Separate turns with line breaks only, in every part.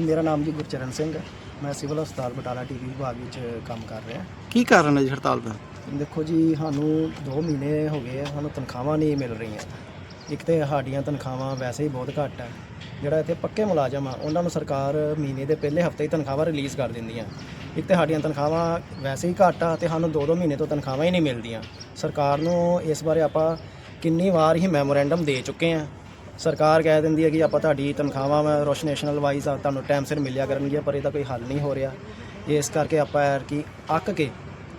ਮੇਰਾ ਨਾਮ ਜੀ ਗੁਰਚਰਨ ਸਿੰਘ ਹੈ। ਮੈਂ ਸਿਵਲ ਹਸਪਤਾਲ ਬਟਾਲਾ ਟੀਵੀ ਵਿਭਾਗ ਵਿੱਚ ਕੰਮ ਕਰ ਰਿਹਾ।
ਕੀ ਕਾਰਨ ਹੈ ਜੀ ਹੜਤਾਲ ਦਾ?
ਦੇਖੋ ਜੀ, ਸਾਨੂੰ 2 ਮਹੀਨੇ ਹੋ ਗਏ ਆ, ਸਾਨੂੰ ਤਨਖਾਹਾਂ ਨਹੀਂ ਮਿਲ ਰਹੀਆਂ। ਇੱਕ ਤਾਂ ਸਾਡੀਆਂ ਤਨਖਾਹਾਂ ਵੈਸੇ ਹੀ ਬਹੁਤ ਘੱਟ ਹੈ। ਜਿਹੜਾ ਇੱਥੇ ਪੱਕੇ ਮੁਲਾਜ਼ਮ ਆ ਉਹਨਾਂ ਨੂੰ ਸਰਕਾਰ ਮਹੀਨੇ ਦੇ ਪਹਿਲੇ ਹਫਤੇ ਹੀ ਤਨਖਾਹਾਂ ਰਿਲੀਜ਼ ਕਰ ਦਿੰਦੀਆਂ। ਇੱਕ ਤਾਂ ਸਾਡੀਆਂ ਤਨਖਾਹਾਂ ਵੈਸੇ ਹੀ ਘੱਟ ਆ ਅਤੇ ਸਾਨੂੰ 2-2 ਮਹੀਨੇ ਤੋਂ ਤਨਖਾਹਾਂ ਹੀ ਨਹੀਂ ਮਿਲਦੀਆਂ। ਸਰਕਾਰ ਨੂੰ ਇਸ ਬਾਰੇ ਆਪਾਂ ਕਿੰਨੀ ਵਾਰ ਹੀ ਮੈਮੋਰੈਂਡਮ ਦੇ ਚੁੱਕੇ ਹਾਂ। ਸਰਕਾਰ ਕਹਿ ਦਿੰਦੀ ਹੈ ਕਿ ਆਪਾਂ ਤੁਹਾਡੀ ਤਨਖਾਹਾਂ ਰੋਸ਼ਨੇਸ਼ਨਲ ਵਾਈਜ਼ ਤੁਹਾਨੂੰ ਟਾਈਮ ਸਿਰ ਮਿਲਿਆ ਕਰਨਗੀਆਂ, ਪਰ ਇਹਦਾ ਕੋਈ ਹੱਲ ਨਹੀਂ ਹੋ ਰਿਹਾ। ਇਸ ਕਰਕੇ ਆਪਾਂ ਕਿ ਅੱਕ ਕੇ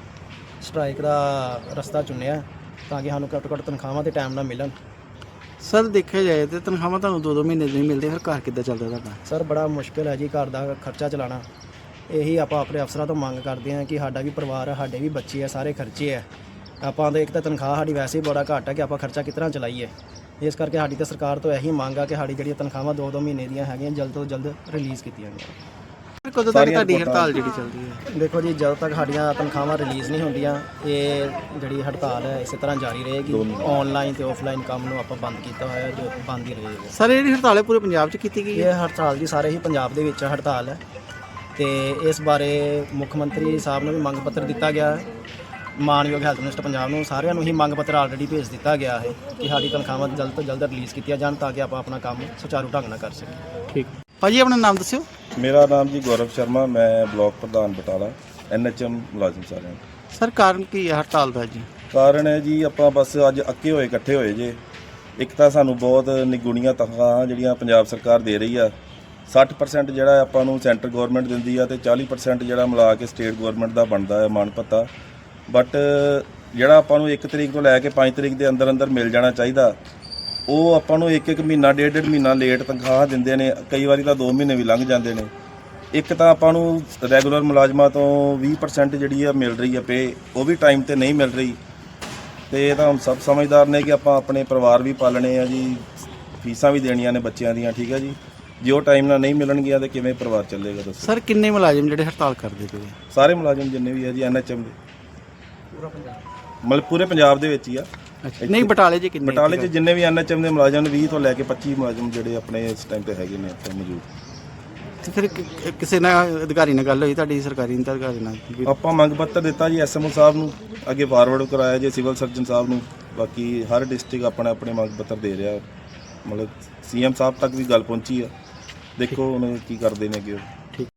ਸਟ੍ਰਾਈਕ ਦਾ ਰਸਤਾ ਚੁਣਿਆ ਤਾਂ ਕਿ ਸਾਨੂੰ ਘੱਟੋ ਘੱਟ ਤਨਖਾਹਾਂ ਤੇ ਟਾਈਮ ਨਾਲ ਮਿਲਣ।
ਸਰ ਦੇਖਿਆ ਜਾਏ ਤਾਂ ਤਨਖਾਹਾਂ ਤੁਹਾਨੂੰ 2-2 ਮਹੀਨੇ ਨਹੀਂ ਮਿਲਦੇ, ਫਿਰ ਘਰ ਕਿੱਦਾਂ ਚੱਲਦਾ ਤੁਹਾਡਾ?
ਸਰ ਬੜਾ ਮੁਸ਼ਕਿਲ ਹੈ ਜੀ ਘਰ ਦਾ ਖਰਚਾ ਚਲਾਉਣਾ। ਇਹੀ ਆਪਾਂ ਆਪਣੇ ਅਫਸਰਾਂ ਤੋਂ ਮੰਗ ਕਰਦੇ ਹਾਂ ਕਿ ਸਾਡਾ ਵੀ ਪਰਿਵਾਰ ਹੈ, ਸਾਡੇ ਵੀ ਬੱਚੇ ਆ, ਸਾਰੇ ਖਰਚੇ ਹੈ। ਆਪਾਂ ਦੇ ਇੱਕ ਤਾਂ ਤਨਖਾਹ ਸਾਡੀ ਵੈਸੇ ਹੀ ਬੜਾ ਘੱਟ ਹੈ ਕਿ ਆਪਾਂ ਖਰਚਾ ਕਿਸ ਤਰ੍ਹਾਂ ਚਲਾਈਏ। ਇਸ ਕਰਕੇ ਸਾਡੀ ਤਾਂ ਸਰਕਾਰ ਤੋਂ ਇਹੀ ਮੰਗ ਆ ਕਿ ਸਾਡੀ ਜਿਹੜੀਆਂ ਤਨਖਾਹਾਂ 2-2 ਮਹੀਨੇ ਦੀਆਂ ਹੈਗੀਆਂ ਜਲਦ ਤੋਂ ਜਲਦ ਰਿਲੀਜ਼ ਕੀਤੀਆਂ ਜਾਣ।
ਕਦੋਂ ਤੱਕ ਤੁਹਾਡੀ ਹੜਤਾਲ ਜਿਹੜੀ ਚੱਲਦੀ ਹੈ?
ਦੇਖੋ ਜੀ, ਜਦੋਂ ਤੱਕ ਸਾਡੀਆਂ ਤਨਖਾਹਾਂ ਰਿਲੀਜ਼ ਨਹੀਂ ਹੁੰਦੀਆਂ ਇਹ ਜਿਹੜੀ ਹੜਤਾਲ ਹੈ ਇਸੇ ਤਰ੍ਹਾਂ ਜਾਰੀ ਰਹੇਗੀ। ਆਨਲਾਈਨ ਤੇ ਆਫਲਾਈਨ ਕੰਮ ਨੂੰ ਆਪਾਂ ਬੰਦ ਕੀਤਾ ਹੋਇਆ, ਜੋ ਬੰਦ ਹੀ ਰਹੇਗਾ।
ਸਰ ਜਿਹੜੀ ਹੜਤਾਲ ਹੈ ਪੂਰੇ ਪੰਜਾਬ 'ਚ ਕੀਤੀ ਗਈ ਹੈ?
ਇਹ ਹੜਤਾਲ ਜੀ ਸਾਰੇ ਹੀ ਪੰਜਾਬ ਦੇ ਵਿੱਚ ਹੜਤਾਲ ਹੈ ਤੇ ਇਸ ਬਾਰੇ ਮੁੱਖ ਮੰਤਰੀ ਸਾਹਿਬ ਨੂੰ ਵੀ ਮੰਗ ਪੱਤਰ ਦਿੱਤਾ ਗਿਆ ਹੈ। ਮਾਨਯੋਗ ਹੈਲਥ ਮਿਨਿਸਟਰ ਪੰਜਾਬ ਨੂੰ ਸਾਰਿਆਂ ਨੂੰ ਹੀ ਮੰਗ ਪੱਤਰ ਆਲਰੇਡੀ ਭੇਜ ਦਿੱਤਾ ਗਿਆ ਹੈ ਕਿ ਸਾਡੀ ਤਨਖਾਹਾਂ ਜਲਦ ਤੋਂ ਜਲਦ ਰਿਲੀਜ਼ ਕੀਤੀਆਂ ਜਾਣ ਤਾਂ ਕਿ ਆਪਾਂ ਆਪਣਾ ਕੰਮ ਸੁਚਾਰੂ ਢੰਗ ਨਾਲ ਕਰ ਸਕੀਏ।
ਠੀਕ ਭਾਜੀ, ਆਪਣਾ ਨਾਮ ਦੱਸਿਓ।
ਮੇਰਾ ਨਾਮ ਜੀ ਗੌਰਵ ਸ਼ਰਮਾ, ਮੈਂ ਬਲਾਕ ਪ੍ਰਧਾਨ ਬਟਾਲਾ, NHM ਮੁਲਾਜ਼ਮ ਸਾਰਿਆਂ।
ਸਰ ਕਾਰਨ ਕੀ ਹੈ ਹੜਤਾਲ ਦਾ ਜੀ?
ਕਾਰਨ ਹੈ ਜੀ ਆਪਾਂ ਬਸ ਅੱਜ ਅੱਕੇ ਹੋਏ ਇਕੱਠੇ ਹੋਏ ਜੇ। ਇੱਕ ਤਾਂ ਸਾਨੂੰ ਬਹੁਤ ਨਿਗੁਣੀਆਂ ਤਨਖਾਹਾਂ ਜਿਹੜੀਆਂ ਪੰਜਾਬ ਸਰਕਾਰ ਦੇ ਰਹੀ ਆ। 60% ਜਿਹੜਾ ਆਪਾਂ ਨੂੰ ਸੈਂਟਰ ਗਵਰਨਮੈਂਟ ਦਿੰਦੀ ਆ ਤੇ 40% ਜਿਹੜਾ ਮਿਲਾ ਕੇ ਸਟੇਟ ਗਵਰਨਮੈਂਟ ਦਾ ਬਣਦਾ ਹੈ ਮਾਣ ਭੱਤਾ। ਬਟ ਜਿਹੜਾ ਆਪਾਂ ਨੂੰ 1 ਤਰੀਕ ਤੋਂ ਲੈ ਕੇ 5 ਤਰੀਕ ਦੇ ਅੰਦਰ ਅੰਦਰ ਮਿਲ ਜਾਣਾ ਚਾਹੀਦਾ, ਉਹ ਆਪਾਂ ਨੂੰ 1-1 ਮਹੀਨਾ 1.5 ਮਹੀਨਾ ਲੇਟ ਤਨਖਾਹ ਦਿੰਦੇ ਨੇ। ਕਈ ਵਾਰੀ ਤਾਂ 2 ਮਹੀਨੇ ਵੀ ਲੰਘ ਜਾਂਦੇ ਨੇ। ਇੱਕ ਤਾਂ ਆਪਾਂ ਨੂੰ ਰੈਗੂਲਰ ਮੁਲਾਜ਼ਮਾਂ ਤੋਂ 20% ਜਿਹੜੀ ਆ ਮਿਲ ਰਹੀ ਆ ਪੇ, ਉਹ ਵੀ ਟਾਈਮ ਤੇ ਨਹੀਂ ਮਿਲ ਰਹੀ। ਤੇ ਇਹ ਤਾਂ ਹੁਣ ਸਭ ਸਮਝਦਾਰ ਨੇ ਕਿ ਆਪਾਂ ਆਪਣੇ ਪਰਿਵਾਰ ਵੀ ਪਾਲਣੇ ਆ ਜੀ, ਫੀਸਾਂ ਵੀ ਦੇਣੀਆਂ ਨੇ ਬੱਚਿਆਂ ਦੀਆਂ। ਠੀਕ ਹੈ ਜੀ, ਜੇ ਉਹ ਟਾਈਮ ਨਾਲ ਨਹੀਂ ਮਿਲਣਗੀਆਂ ਤਾਂ ਕਿਵੇਂ ਪਰਿਵਾਰ ਚੱਲੇਗਾ ਦੱਸੋ?
ਸਰ ਕਿੰਨੇ ਮੁਲਾਜ਼ਮ ਜਿਹੜੇ ਹੜਤਾਲ ਕਰਦੇ ਪਏ?
ਸਾਰੇ ਮੁਲਾਜ਼ਮ ਜਿੰਨੇ ਵੀ ਆ ਜੀ NHM ਦੇ, ਮਤਲਬ ਪੂਰੇ ਪੰਜਾਬ ਦੇ ਵਿੱਚ ਹੀ ਆ।
ਨਹੀਂ ਬਟਾਲੇ 'ਚ ਕਿੰਨੇ?
ਬਟਾਲੇ 'ਚ ਜਿੰਨੇ ਵੀ NHM ਦੇ ਮੁਲਾਜ਼ਮ ਨੇ 20 ਤੋਂ ਲੈ ਕੇ 25 ਮੁਲਾਜ਼ਮ ਜਿਹੜੇ ਆਪਣੇ ਇਸ ਟਾਈਮ ਤੇ ਹੈਗੇ ਨੇ ਇੱਥੇ ਮੌਜੂਦ।
ਤੇ ਫਿਰ ਕਿਸੇ ਨਾਲ ਅਧਿਕਾਰੀ ਨਾਲ ਗੱਲ ਹੋਈ ਤੁਹਾਡੀ, ਸਰਕਾਰੀ ਅਧਿਕਾਰੀ ਨਾਲ?
ਆਪਾਂ ਮੰਗ ਪੱਤਰ ਦਿੱਤਾ ਜੀ SMO ਸਾਹਿਬ ਨੂੰ, ਅੱਗੇ ਫਾਰਵਰਡ ਕਰਾਇਆ ਜੀ ਸਿਵਲ ਸਰਜਨ ਸਾਹਿਬ ਨੂੰ। ਬਾਕੀ ਹਰ ਡਿਸਟ੍ਰਿਕਟ ਆਪਣੇ ਮੰਗ ਪੱਤਰ ਦੇ ਰਿਹਾ, ਮਤਲਬ CM ਸਾਹਿਬ ਤੱਕ ਵੀ ਗੱਲ ਪਹੁੰਚੀ ਆ। ਦੇਖੋ ਹੁਣ ਕੀ ਕਰਦੇ ਨੇ ਅੱਗੇ।